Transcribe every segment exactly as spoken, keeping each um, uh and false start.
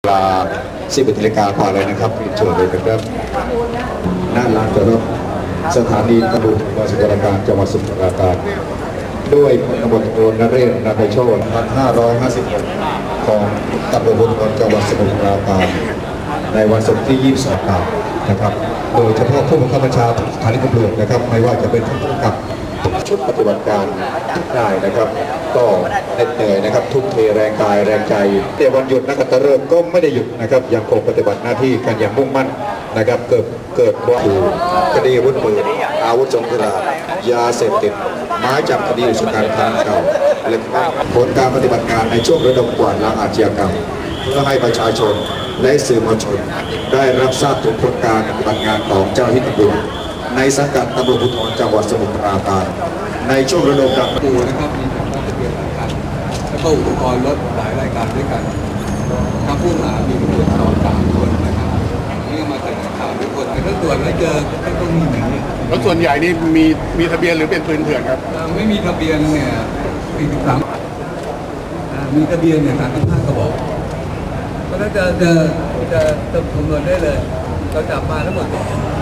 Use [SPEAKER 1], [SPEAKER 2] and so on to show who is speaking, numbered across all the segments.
[SPEAKER 1] เวลาสิบเอ็ดนาฬิกากว่าเลยนะครับเชิญเลยนะครับหน้าลานจอดรถสถานีตำรวจกองสมุทรปราการจังหวัดสมุทรปราการด้วยพลตำรวจโทนเรศนาไพโชติพันห้าร้อยห้าสิบหกของตำรวจภูธรจังหวัดสมุทรปราการในวันศุกร์ที่ยี่สิบสองนะครับโดยเฉพาะผู้บังคับบัญชาสถานีตำรวจนะครับไม่ว่าจะเป็นผู้กำกับชุดปฏิบัติการทุกนายนะครับก็เหน็ดเหนื่อยนะครับทุ่มเทแรงกายแรงใจแต่วันหยุดนักขัตฤกษ์ก็ไม่ได้หยุดนะครับยังคงปฏิบัติหน้าที่กันอย่างมุ่งมั่นนะครับเกิดเกิดว่าคดีอาวุธปืนอาวุธสงครามยาเสพติดหมายจับคดีอุกชะกันครั้งเก่าและผลการปฏิบัติการในช่วงระดมกวาดล้างอาชญากรรมเพื่อให้ประชาชนและสื่อมวลชนได้รับทราบถึงผลการปฏิบัติงานของเจ้าหน้าที่ตำรวจในสังกัดตำรวจภูธรจังหวัดสมุทรปราการในช่วงระดมการ
[SPEAKER 2] ปูนะครับมีแต่ข้อทะเบียนหลายคันแล้วก็อุปกรณ์รถหลายรายการด้วยกันถ้าผู้หามีตำรวจสองสามคนนะครับนี่ก็มาแถลงข่าวทุกคนแต่ถ้าตรวจแล้วเจอก็ต้องมีหนี
[SPEAKER 3] รถส่วนใหญ่นี่มีมีทะเบียนหรือเป็นปืนเถื่อนครับ
[SPEAKER 2] ไม่มีทะเบียนเนี่ยสี่สิบสามมีทะเบียนเนี่ยสามสิบห้ากระบอกเพราะฉะนั้นจะจะจะจะคำนวณได้เลยเราจับมาทั้งหมด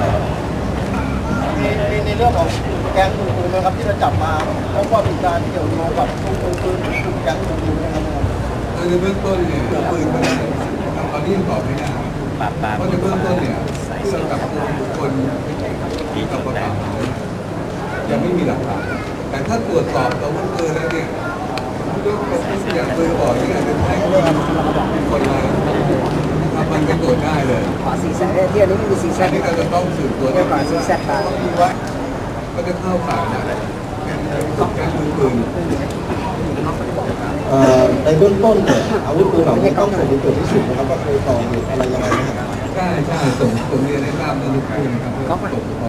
[SPEAKER 4] ในในเรื่องของแก๊งมือปืนนะครับที่เราจับมาพบว่ามีการเกี่ยวโยงกับมือปืนกลุ่มแก๊งมือปืนนะครับ
[SPEAKER 2] ในเบื้องต้นเนี่ยปืนมันตอนนี้ยังตอบไม่ได้เพราะในเบื้องต้นเนี่ยที่เราจับตัวบุคคลที่กับประกาศยังไม่มีหลักฐานแต่ถ้าตรวจสอบตัวปืนแล้วเนี่ยยกตัวอย่างปืนบอกที่อาจจะใช้คนร้ายมันก็ตรวจได้เลย
[SPEAKER 5] ขอสีแซดที่อันนี้ไม่มีสีแซ
[SPEAKER 2] อั
[SPEAKER 5] ด
[SPEAKER 2] นนี้เราจะต้องสืบตัว
[SPEAKER 5] เรียกว่าสีแซดตา
[SPEAKER 2] ว่าก็จะเข้าข่ายนะการมือปืน
[SPEAKER 4] ในเบื้องต้นเนี่ยอาวุธปืนเหล่านี้ต้องส่งไปตรวจพิสูจน์นะครับว่าเคยก่อเหตุอะไรยังไงนะครับ
[SPEAKER 2] ใช่ใช่ส่งส่งเรียนให้ทราบในทุกคืนนะครับ